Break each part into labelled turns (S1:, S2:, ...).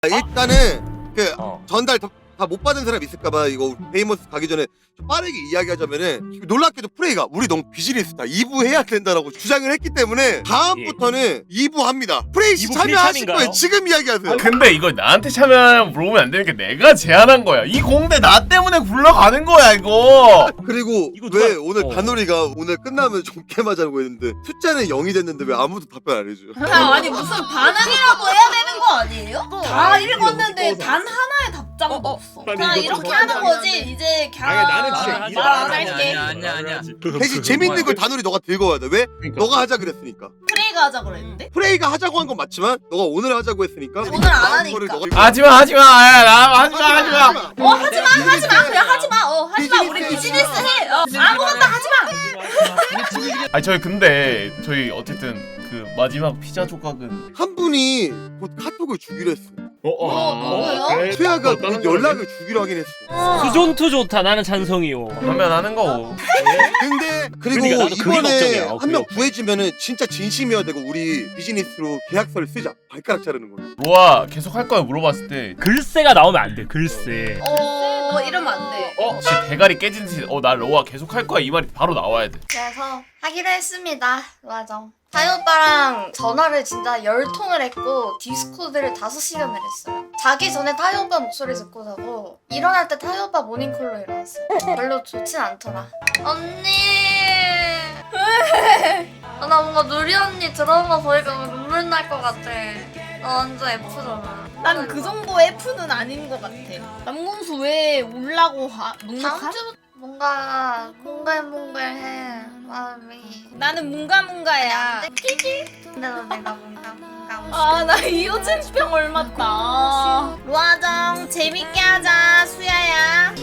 S1: 일단은 그 전달 다 못 받은 사람 있을까봐 이거 베이머스 가기 전에 좀 빠르게 이야기하자면은 놀랍게도 프레이가 우리 너무 비즈니스다 2부 해야 된다라고 주장을 했기 때문에 다음부터는 2부 합니다. 프레이 씨
S2: 2부
S1: 참여하실
S2: 필참인가요?
S1: 거예요. 지금 이야기하세요.
S3: 근데 이거 나한테 참여하냐고 물어보면 안 되는 게 내가 제안한 거야. 이 공대 나 때문에 굴러가는 거야 이거.
S1: 그리고
S2: 이거
S1: 왜
S2: 누가-
S1: 오늘 단오리가 오늘 끝나면 좀 게임하자고 했는데 숫자는 0이 됐는데 왜 아무도 답변 안 해줘?
S4: 아니 무슨 반응이라고 해야 되는 거 아니에요? 다 읽었는데 단 하나의 답장도 없어. 그냥 이렇게 하는 거지. 이제 그냥
S2: 나는 진짜
S4: 말 안 할게.
S5: 아니야.
S1: 대신 재밌는 걸 단오리 너가 들고 와야 돼. 왜? 너가 하자 그랬으니까.
S4: 프레이가 하자 그랬는데
S1: 프레이가 하자고 한 건 맞지만 너가 오늘 하자고 했으니까
S4: 오늘 안
S1: 다음
S4: 하니까.
S1: 거를 너가
S3: 하지마 하지마. 야, 나 하지마 하지마.
S4: 하지마 그냥 하지마 우리 비즈니스 해. 아무것도 하지마.
S3: 아니 저희 근데 저희 어쨌든 그 마지막 피자 조각은
S1: 한 분이 곧 카톡을 주기로 했어.
S4: 누구요?
S1: 수야가 곧 연락을 주기로 하긴 했어.
S2: 수존투 좋다. 나는 찬성이요.
S3: 하면 하는 거고.
S1: 근데 그리고
S2: 그러니까 나도 그게
S1: 이번에
S2: 걱정이야.
S1: 한 명
S2: 그게
S1: 구해지면은 진짜 진심이어야 되고 우리 비즈니스로 계약서를 쓰자. 발가락 자르는 걸로.
S3: 로아 계속 할 거야 물어봤을 때
S2: 글쎄가 나오면 안 돼. 글쎄.
S4: 너 이러면 안 돼.
S3: 혹시 대가리 깨진 듯이 나 로아 계속 할 거야 이 말이 바로 나와야 돼.
S6: 그래서 하기로 했습니다. 맞아. 타요 오빠랑 전화를 진짜 10통을 했고 디스코드를 5시간을 했어요. 자기 전에 타요 오빠 목소리 듣고 자고 일어날 때 타요 오빠 모닝콜로 일어났어요. 별로 좋진 않더라. 언니 나 뭔가 누리 언니 드라마 보니까 눈물 날 것 같아. 나 완전 F잖아.
S4: 난 그 정도 F는 아닌 것 같아. 남궁수 왜 울라고
S6: 다음
S4: 눅눅하?
S6: 주 뭔가 몽글몽글해 마음이.
S4: 나는 문가문가야.
S6: 근데 너 내가 뭔가
S4: 아 나 이호진병 얼맞다. 로아정 재밌게 하자 수야야.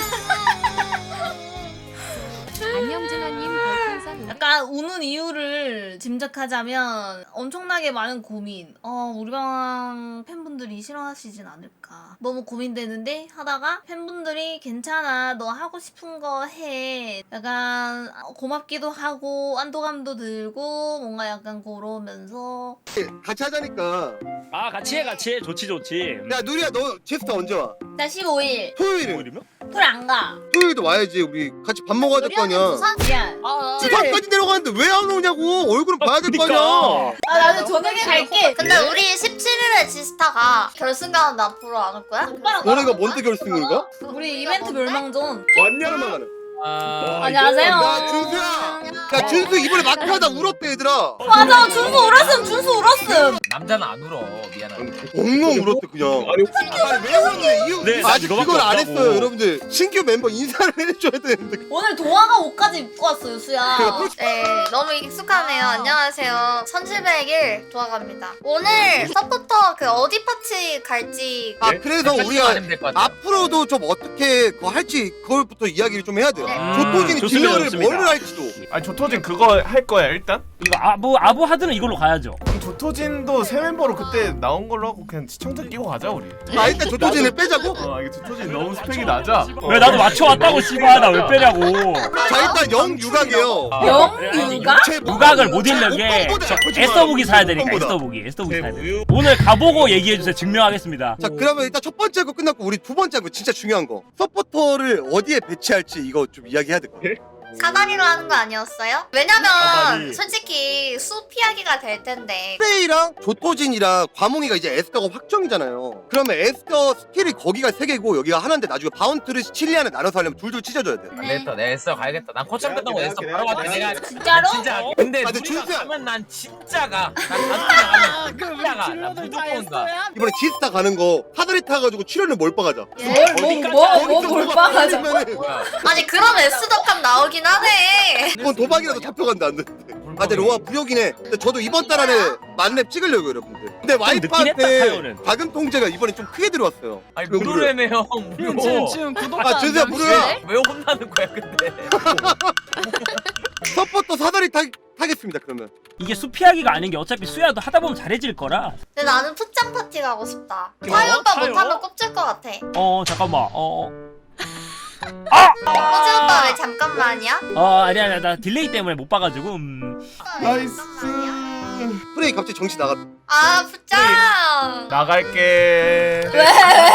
S7: 안녕준호님 별풍선
S4: 약간 우는 이유를 짐작하자면 엄청나게 많은 고민. 우리 방 팬분들이 싫어하시진 않을까. 너무 고민되는데 하다가 팬분들이 괜찮아 너 하고 싶은 거 해. 약간 고맙기도 하고 안도감도 들고 뭔가 약간 그러면서
S1: 같이 하자니까.
S2: 아 같이 해. 좋지.
S1: 야 누리야 너 제스터 언제 와?
S4: 나 15일
S1: 토요일에.
S2: 뭐이면?
S4: 토요일 안 가.
S1: 토요일도 와야지. 우리 같이 밥 먹어야 될 거 아니야.
S4: 미안.
S1: 부산까지 내려가는데 왜 안 오냐고. 얼굴은 봐야 될 거 아니야.
S4: 나는 저녁에 갈게.
S6: 근데 우리 17일에 지스타가 결승가는데 앞으로 안 올 거야?
S1: 너네가 뭔데 결승을 가?
S4: 우리 이벤트 멸망전.
S1: 왔냐는 가는.
S4: 안녕하세요.
S1: 나 준수야. 야 준수 이번에 마크하다 울었대 얘들아.
S4: 맞아 준수 울었음.
S5: 남자는 안 울어. 미안하다.
S1: 엉엉 울었대 그냥. 아니 왜 울었네 이유.
S2: 네,
S1: 아직
S2: 이거밖에
S1: 그걸 안
S2: 없다고.
S1: 했어요 여러분들. 신규 멤버 인사를 해줘야 되는데.
S4: 오늘 동화가 옷까지 입고 왔어요 수야.
S6: 네, 너무 익숙하네요. 안녕하세요. 1700일 도와갑니다. 오늘 서포터 그 어디 파티 갈지
S1: 아 그래서 우리가
S5: 하면 될것 같아.
S1: 앞으로도 좀 어떻게 그거 할지 그걸부터 이야기를 좀 해야 돼요.
S6: 네.
S1: 조토진이
S2: 좋습니다,
S1: 딜러를
S2: 좋습니다.
S1: 뭘 할지도.
S3: 아니 조토진 그거 할 거야 일단?
S2: 이거 아부 하드는 이걸로 가야죠.
S3: 그럼 조토진도 새 멤버로 그때 나온 걸로 하고 그냥 시청자 끼고 가자 우리.
S1: 아 일단 조토진을 빼자고?
S3: 이게 조토진 너무 스펙이 낮아.
S2: 왜 나도 맞춰왔다고 씨발 나 왜 빼냐고.
S1: 자 일단 영유각이에요.
S4: 영유가?
S2: 누각을 못 읽는 게 에스더북이 사야 되니까 에스더북이 사야 돼. 오늘 가보고 얘기해주세요. 증명하겠습니다.
S1: 자 그러면 일단 첫 번째 거 끝났고 우리 두 번째 거 진짜 중요한 거 서포터를 어디에 배치할지 이거 좀 이야기해야 될 것 같아.
S6: 사다리로 하는 거 아니었어요? 왜냐면
S2: 사다리.
S6: 솔직히 수 피하기가 될 텐데.
S1: 프레이랑 조토진이랑 과몽이가 이제 에스더가 확정이잖아요. 그러면 에스더 스킬이 거기가 세 개고 여기가 하나인데 나중에 바운트를 칠리안에 나눠서 하려면 둘둘 찢어줘야 돼.
S5: 안 됐다. 내 애써 가야겠다. 난 코칭 끝나고 애써 바로 가자. 내가
S4: 진짜로?
S5: 진짜. 근데
S1: 아, 근데
S5: 우리가
S1: 준수야.
S5: 가면 난 진짜 가. 난 가면 진짜 가. 난 무조건 가.
S1: 이번에 지스타 가는 거 사다리 타가지고 출연을 몰빵하자.
S4: 뭐 몰빵하자.
S5: 뭐야?
S6: 아니 그럼 S덕감 나오긴 하네.
S1: 그건 도박이라도 잡혀간다 안 되는데. 아 근데 로아 부역이네. 근데 저도 이번 달 안에 만렙 찍으려고 여러분들. 근데
S2: 늦긴 했다,
S1: 와이프한테
S2: 타요는.
S1: 자금 통제가 이번에 좀 크게 들어왔어요.
S5: 아니
S1: 그거 무료야.
S5: 무료래며 무료.
S7: 지금
S1: 아 준수야 무료야.
S5: 왜 혼나는 거야 근데?
S1: 서포터 사다리 타겠습니다 그러면.
S2: 이게 수 피하기가 아닌 게 어차피 수야도 하다 보면 잘해질 거라.
S6: 근데 나는 풋장 파티 가고 싶다. 타요 오빠
S2: 타요?
S6: 못하면 꼽질 것 같아.
S2: 잠깐만.
S6: 꼬지 오빠 왜 잠깐만이야?
S2: 아니야 나 딜레이 때문에 못 봐가지고.
S1: 나이스. 프레이 갑자기 정신 나갔다.
S6: 아 부장.
S3: 나갈게.
S6: 왜?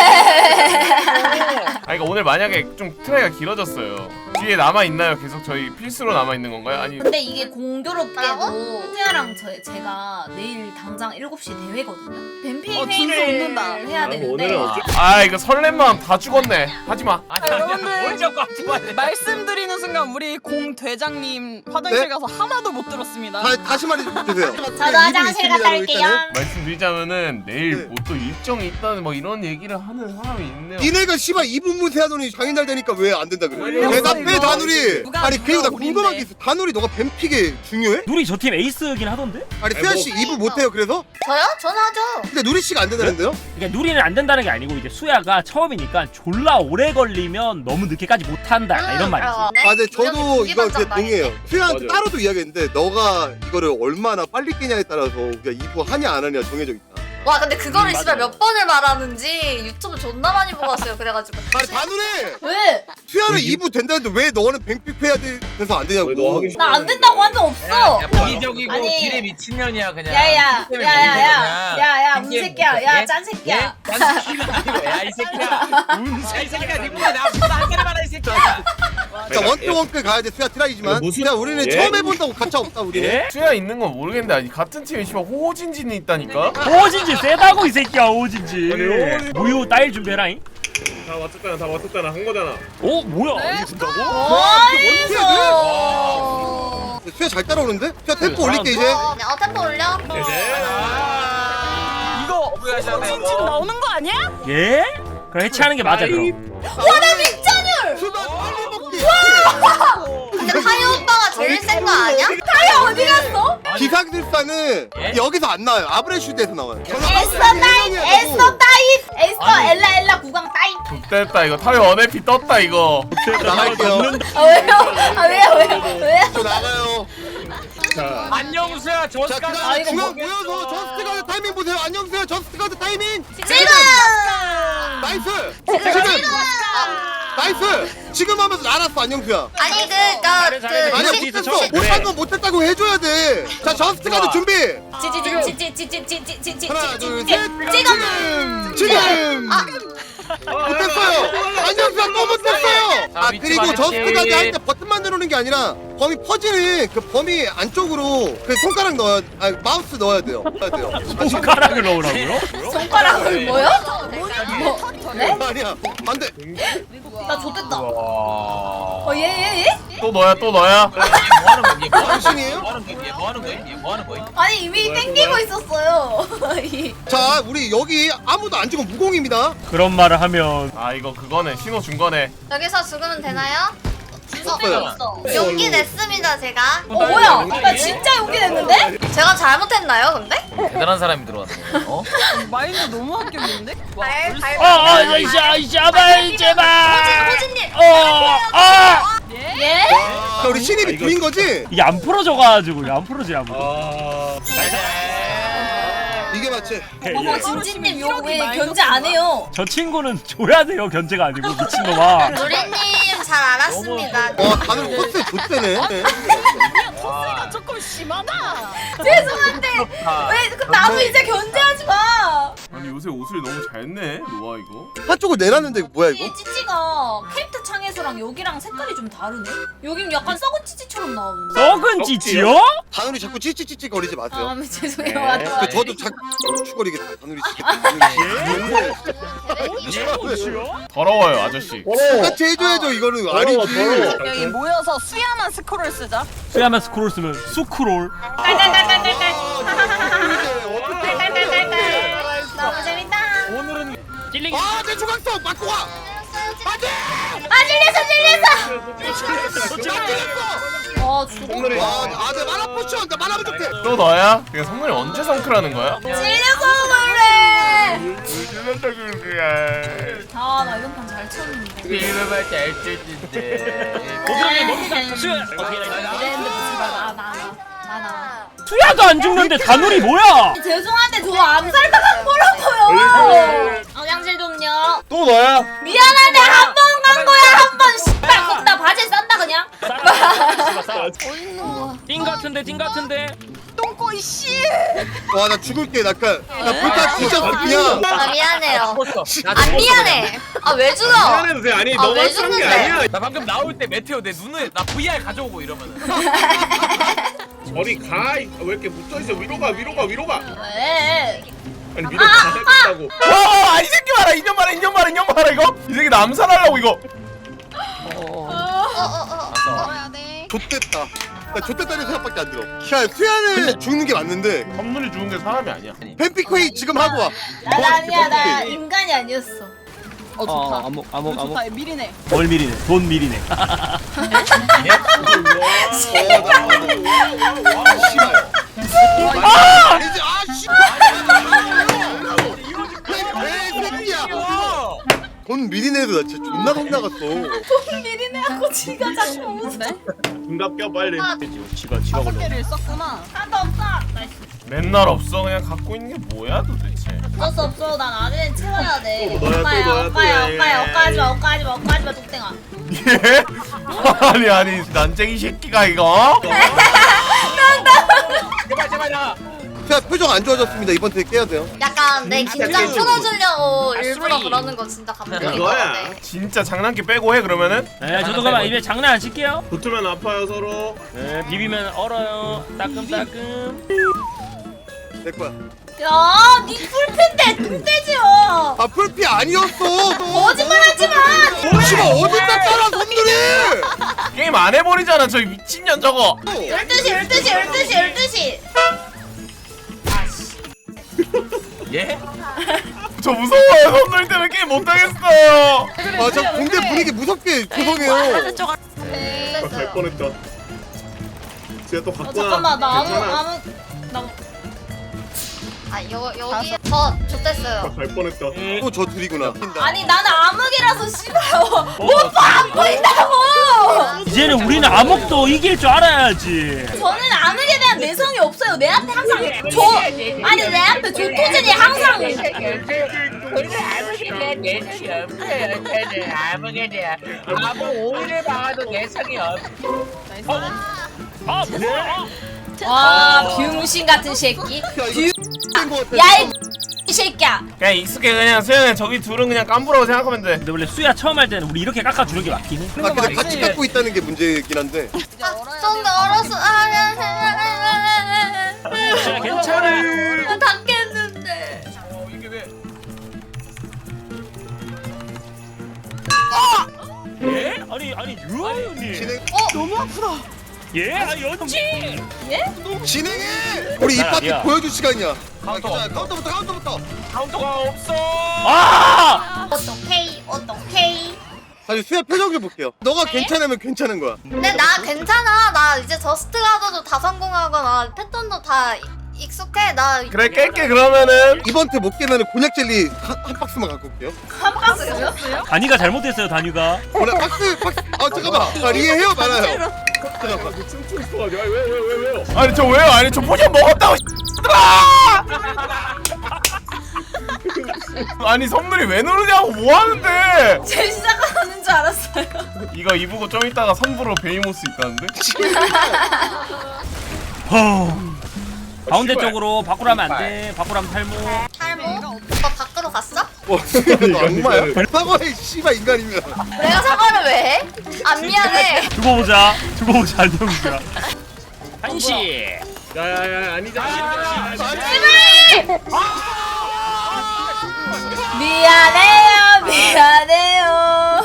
S3: 아 이거 오늘 만약에 좀 트라이가 길어졌어요. 뒤에 남아 있나요? 계속 저희 필수로 남아 있는 건가요? 아니
S4: 근데 이게 공교롭게도 수야랑 제가 내일 당장 7시 대회거든요. 뱀핑 회의를 해야 되는데
S3: 아 이거 설렘 마음 다 죽었네. 하지 마.
S5: 아니
S8: 여러분들.
S5: 뭘 자꾸 하지 마.
S8: 말씀드리는 순간 우리 공 대장님 화장실
S1: 네?
S8: 가서 하나도 못 들었습니다.
S1: 다시 말해주세요.
S4: 저도 화장실 갔다 올게요.
S3: 말씀드리자면은 내일
S1: 네.
S3: 뭐 또 일정이 있다는 뭐 이런 얘기를 하는 사람이 있네요.
S1: 니네가 씨발 2분 문세하더니 장인날 되니까 왜 안 된다 그래?
S8: 왜
S1: 대답해
S8: 이거?
S1: 다누리.
S8: 누가
S1: 아니 그리고 나
S8: 우린데?
S1: 궁금한 게 있어. 다누리 너가 뱀픽에 중요해?
S2: 누리 저 팀 에이스긴 하던데?
S1: 아니 수야 씨 2분 못해요 그래서?
S6: 저요? 저는 하죠.
S1: 근데 누리 씨가 안 된다는데요?
S2: 그러니까 누리는 안 된다는 게 아니고 이제 수야가 처음이니까 졸라 오래 걸리면 너무 늦게까지 못한다 약간 이런 말이지.
S6: 네?
S1: 아, 근데 저도 이거 제 동의해요.
S6: 말이지.
S1: 수야한테 따로도 이야기했는데 너가 이거를 얼마나 빨리 깨냐에 따라서 우리가 2부 하냐 안 하냐 정해져 있다.
S6: 와 근데 그거를
S2: 맞아요.
S6: 씨발 몇 번을 말하는지 유튜브 존나 많이 보고 왔어요. 그래가지고.
S1: 아니 다누리!
S4: 왜?
S1: 수야는 2부 된다는데 왜 너는 뱀픽 해야 돼서 안 되냐고.
S4: 나 안 된다고 한 적 없어.
S5: 이기적이고
S4: 아니.
S5: 길에 미친년이야 그냥.
S4: 야야
S5: 게임에
S4: 야야야 야야
S5: 게임
S4: 운새끼야
S5: 보고,
S4: 야
S5: 예?
S4: 짠새끼야.
S5: 야이 새끼야. 이 새끼야 니보다 나보다 한 살이 많아 이 새끼야.
S1: 자 원투원클 가야 돼 수야 트라이지만. 야 우리는 처음 해본다고 가차 없다 우리는.
S2: 예?
S3: 수야 있는 건 모르겠는데 아니 같은 팀에 씨발 호진진이 있다니까.
S2: 호진지 세다고 이 새끼야 호진지. 무효 따일 준비해라잉.
S3: 다 맞췄잖아 한 거잖아.
S2: 어 뭐야?
S8: 네?
S2: 이거 준다고?
S1: 원투야
S4: 어.
S1: 수야 잘 따라오는데? 수야 템포 올릴게 이제.
S6: 템포 올려.
S8: 이거
S5: 후회하셨네,
S8: 호진진
S5: 너.
S8: 나오는 거 아니야?
S2: 예? 그럼 해체하는 게 맞아 그럼.
S1: 수야 빨리 먹기.
S6: 근데 타요 오빠가 제일 센 거 아니야?
S4: 어디 갔어?
S1: 기상술사는
S5: 예?
S1: 여기서 안 나와요. 아브레슈드에서 나와요.
S4: 에스터 따입 에스터 따입 에스터 엘라 구강 따입.
S3: 됐다 이거 타요 원에피 떴다 이거.
S1: 나갈게요.
S4: 아 왜요? 아 왜요?
S1: 저 나가요.
S5: 안녕수야
S1: 자,
S5: 저스가.
S1: 그다음 중앙 모여서 저스트 가드 타이밍 보세요. 안녕하세요. 저스트 가드 타이밍.
S4: 지금
S1: 나이스. 지금. 나이스. 지금 하면서 알았어. 안녕수야.
S6: 아니
S2: 잘해.
S1: 아니야
S2: 시-
S1: 못했어.
S2: 시-
S1: 못한 건 못했다고 해줘야 돼. 자 저스트 가드 준비. 하나 둘 셋. 지금. 못했어요. 안녕수야 또 못했어요. 아
S5: 위치
S1: 그리고
S5: 말했지.
S1: 저스트 가드 할 때 버튼만 누르는 게 아니라 범위 퍼지는 그 범위 안쪽으로 그 손가락 넣어야 마우스 넣어야 돼요.
S2: 손가락을 넣으라고요?
S4: 손가락을 뭐요? 네?
S1: 아니야 반대.
S4: 나 좆됐다.
S3: 와.
S4: 얘?
S3: 또 너야 또 너야.
S5: 뭐하는 거야? 얘
S1: 당신이에요?
S5: 뭐하는 거야? 얘 뭐하는 거야?
S4: 아니 이미 땡기고 있었어요.
S1: 자 우리 여기 아무도 안 죽으면 무공입니다.
S2: 그런 말을 하면
S3: 아 이거 그거네 신호 준 거네.
S6: 여기서 죽으면 되나요?
S1: 없어요.
S6: 용기 냈습니다 제가.
S4: 뭐야? 나 진짜 용기 냈는데?
S6: 제가 잘못했나요 근데?
S5: 대단한 사람이 들어왔네. 어?
S8: 마인드 너무 합격인데?
S2: 제발 제발.
S6: 호진님.
S4: 예?
S1: 자 우리 신입이 부인 거지?
S2: 이게 안 풀어져가지고 이게 안 풀어지 아무.
S1: 이게 맞지?
S4: 어머 진진님 이거 왜 견제 안 해요?
S2: 저 친구는 줘야 돼요 견제가 아니고 미친놈아.
S6: 누리님 잘 알았습니다.
S1: 와 다들 코스 좋대네.
S8: 토스가 조금 심하다.
S4: 죄송한데 왜 나도 이제 견제하지 마.
S3: 아니 요새 옷을 너무 잘 내. 로아 이거.
S1: 한쪽을 내놨는데 이거 뭐야 이거?
S4: 이 찌찌가 캐릭터 창에서랑 여기랑 색깔이 좀 다르네. 여긴 약간 썩은 찌찌처럼 나오는데.
S2: 썩은 찌찌요?
S1: 다누리 자꾸 찌찌찌찌 거리지 마세요.
S4: 아 죄송해요. 맞아.
S1: 저도 자꾸 추거리겠다. 다누리 찌찌.
S3: 더러워요 아저씨.
S1: 똑같이 해줘야죠. 이거는 아니지.
S8: 여기 모여서 수야만 스크롤 쓰자.
S2: 수야만 스크롤 쓰면 수크롤.
S4: 딸딸딸딸딸. 너무 재밌다.
S2: 오늘은 찔리기.
S1: 아내 조각성 맞고 가.
S4: 찔렸어. 아 죽어.
S1: 와아내 만화 포션 나 만화 부족해.
S3: 또 너야? 이거 성문이 언제 성크라는 거야?
S4: 찔려서 그래. 아나 이번 판 잘 쳤는데.
S5: 이름을 잘 쓰는데.
S4: 이랬는데 붙이지 마. 나.
S2: 수야도 안 죽는데 다누리 뭐야?
S4: 죄송한데 저 암살당한 거라고요. 화장실 좀요.
S3: 또 너야?
S4: 미안한데 한 번 간 거야 한 번. 씨발 거기다 바지 싼다 그냥.
S2: 띵 같은데.
S8: 먹고 이씨.
S1: 와 나 죽을게. 나 불타 뒤졌어 그냥.
S6: 아 미안해요.
S5: 나
S6: 안 미안해. 아 왜 죽어?
S9: 미안해도 돼. 아니
S6: 아,
S9: 너가
S6: 왜
S9: 쓴 게
S6: 죽는데?
S9: 아니야.
S5: 나 방금 나올 때 메테오 내 눈에 나 VR 가져오고 이러면은.
S9: 저리 가. 왜 이렇게 붙어 있어? 위로 가.
S4: 왜?
S9: 아니 위로 가겠다고.
S3: 와, 이 새끼 봐라. 인연 봐라 이거. 이 새끼 남살하려고 이거.
S8: 먹어야 돼.
S1: 좆됐다. 나 좆됐다는 생각밖에 안 들어. 야 수야는 죽는 게 맞는데
S3: 선물이 죽은 게 사람이 아니야.
S1: 팬피크웨이 지금 하고 와.
S4: 나 아니야 나 인간이 아니었어.
S8: 어 좋다.
S2: 암흑
S8: 좋다. 미리네.
S2: 뭘 미리네 돈 미리네
S1: 씨발. 아니지 왜 새끼야? 돈 미리 내도 나 진짜 존나 겁 나갔어.
S4: 미리네하고 지가 자꾸 웃어.
S9: 중갑 껴 빨리.
S2: 지가
S8: 다섯
S2: 걸려
S8: 개를 썼구나.
S4: 하나도 없어. 나이스.
S3: 맨날 없어. 그냥 갖고 있는 게 뭐야 도대체.
S4: 어쩔 수 없어. 난 아드는 채워야 돼.
S9: 또 넣어야, 또 넣어야, 또
S4: 오빠야.
S9: 넣어야.
S4: 억까지마 뚝땡아.
S3: 예? 아니 난쟁이 새끼가 이거.
S5: 제발 나.
S1: 수야 표정 안 좋아졌습니다. 이번 턴에 깨야 돼요.
S6: 약간 내 긴장
S9: 깨줘.
S6: 풀어주려고 일부러 그러는 거 진짜 감동인 것
S9: 그거야.
S6: 같아.
S3: 진짜 장난기 빼고 해 그러면은.
S2: 네 저도 그만 입에 장난 안 칠게요
S9: 붙으면 아파요 서로.
S2: 네 비비면 얼어요 따끔따끔
S1: 내 거야.
S4: 야, 니 풀핀데 뚱돼지요.
S1: 아 풀피 아니었어.
S4: 거짓말하지 마.
S1: 씨발 어디다 따라 손들이.
S3: 게임 안 해버리잖아 저 미친년 저거.
S4: 12시.
S5: 예?
S3: 저 무서워요. 손들 때문에 게임 못하겠어요.
S1: 아저 공대 분위기 무섭게 조성해요.
S9: 아, 갈 뻔했다. 제가 또 갖고
S4: 잠깐만 나
S9: 괜찮아.
S6: 아 여기 저 좋댔어요.
S9: 갈 뻔했다.
S1: 또 저 둘이구나.
S4: 아니 나는 암흑이라서 싫어요. 오빠 안 보인다고.
S2: 이제는 우리는 암흑도 이길 줄 알아야지
S4: 저는 암흑에 대한 내성이 없어요. 내 앞에 항상 아니 내 앞에 조토진이 항상
S5: 아무게 돼. 아무 오일을 박아도 내성이 없.
S2: 아 뭐야
S4: 와 병신 같은 새끼.
S1: 야이
S4: 야이 이 새끼야.
S3: 그냥 익숙해. 그냥 수현이 저기 둘은 그냥 깐부라고 생각하면 돼.
S2: 근데 원래 수야 처음 할 때는 우리 이렇게 깎아주는 게 맞긴 해
S1: 아 근데 같이 갖고 있다는 게 문제긴 한데.
S6: 좀 얼었어.
S2: 수야 괜찮아
S6: 닦겠는데.
S5: 이게 왜?
S2: 예? 아니 유아연이
S1: 진행
S8: 너무 아프다.
S2: 예? 아니 연지
S1: 진행해. 우리 이
S2: 난
S1: 파티
S2: 아니야.
S1: 보여줄 시간이야.
S5: 카운터.
S1: 카운터부터.
S5: 카운터가 없어.
S2: 아!
S6: 어떡해.
S1: 사실 수야 표정 좀 볼게요. 너가 괜찮으면 괜찮은 거야.
S6: 근데 나 괜찮아. 나 이제 저스트 가서도 다 성공하거나 패턴도 다 익숙해. 나
S3: 그래 깰게 그러면은.
S1: 이번 테 못 깨면 곤약 젤리 한 박스만 갖고 올게요.
S4: 한 박스요?
S2: 다니가 잘못했어요 다니가
S1: 곤약 박스. 아 잠깐만. 아 리에해요 말아요.
S9: 춤추고 있어가지고. 왜요?
S3: 아니 저 왜요? 아니 저 포션 먹었다고. 아니 선물이 왜 누르냐고 뭐 하는데?
S4: 제 시작하는 줄 알았어요.
S3: 이거 입고 좀 이따가 선불로 베이모스 있다는데?
S2: 가운데 쪽으로 밖으로 하면 안돼 밖으로 하면 탈모
S6: 탈모? 오빠 밖으로 갔어?
S1: 와 수야 너 악마야. 사과해 씨발 인간이면.
S6: 내가 사과를 왜 해? 안 미안해.
S2: 두고 보자 안녕이야 한시
S9: 야야야 아니잖아.
S4: 미안해요.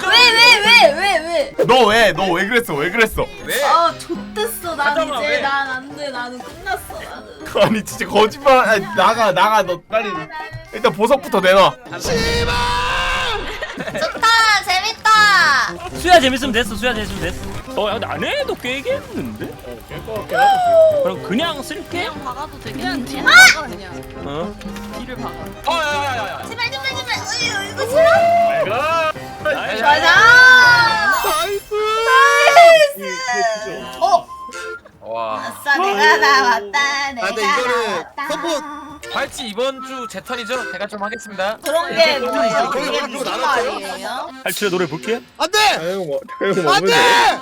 S4: 왜?
S3: 너 왜 그랬어? 왜 그랬어?
S5: 왜?
S4: 아 좆됐어. 난
S5: 잠깐만,
S4: 이제
S5: 왜?
S4: 난 안 돼. 나는 끝났어. 나는.
S3: 아니 진짜 거짓말. 아니, 나가 너 빨리. 일단 보석부터 내놔.
S6: 좋다. 재밌다.
S2: 수야 재밌으면 됐어 야 근데 안 해도 깨겠는데?
S9: 깰것 같긴 하다.
S2: 그럼 그냥 쓸게?
S8: 그냥 박아도 돼. 그냥 뒤를 박아 그냥.
S2: 어?
S8: 뒤를 박아.
S5: 야야야야.
S6: 제발. 어휴 이거 싫어.
S9: 가.
S4: 가자.
S6: 어.
S5: 와.
S4: 아싸 내가 나왔다.
S1: 아 근데 이거는 서포
S5: 발치 이번 주 제 턴이죠? 제가 좀 하겠습니다.
S4: 그런 게 뭐예요?
S1: 거기
S4: 그게
S1: 그거
S4: 무슨
S1: 나눴어요?
S4: 말이에요?
S2: 할치의 노래 볼게.
S1: 안돼
S9: 다영 먹으면
S1: 안돼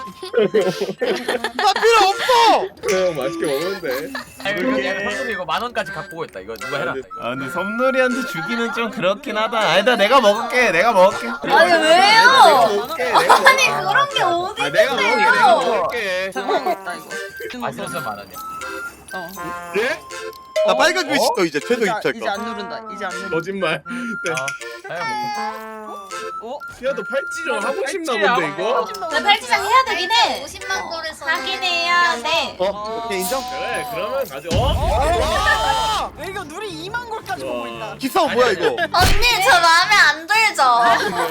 S1: 나 필요 없어.
S9: 다영 맛있게 먹으면 돼.
S5: 아이고 이거 내가 선물이 이거 10,000원까지 갖고 오겠다. 이거 누가 해라. 이거.
S3: 아 근데 섬놀이한테 주기는 좀 그렇긴 하다. 아니다 내가 먹을게. 내가 먹을게.
S4: 아니 왜요?
S9: 먹을게. 내가
S4: 아니 그런 게 어디
S9: 아 내가 먹을게. 내가 먹을게.
S8: 당황했다 이거.
S5: 맛있어서 10,000원이야.
S9: 예?
S1: 나 빨간 글씨 또 이제 최소
S8: 이제
S1: 입찰가.
S8: 안 누른다. 이제 안 누른다.
S9: 거짓말. 네.
S5: 다영
S9: 야너 팔찌 좀 하고 싶나
S5: 팔찌야.
S9: 본데 이거?
S4: 나 팔찌장 해야 되긴 해.
S6: 50만 골에서
S4: 하긴 해야 돼.
S1: 오케이 인정?
S9: 그래 그러면 가져.
S8: 이거 누리 2만 골까지 보고 있다.
S1: 기사 뭐야 이거?
S6: 언니 저 마음에 안 들죠?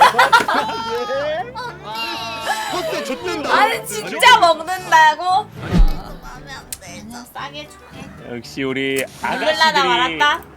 S1: 헛대 줬는다.
S4: 아니 진짜 먹는다고?
S6: 마음에 안 들죠?
S4: 싸게 줄게.
S2: 역시 우리
S4: 먹을라나
S2: 아가씨들이
S4: 말았다.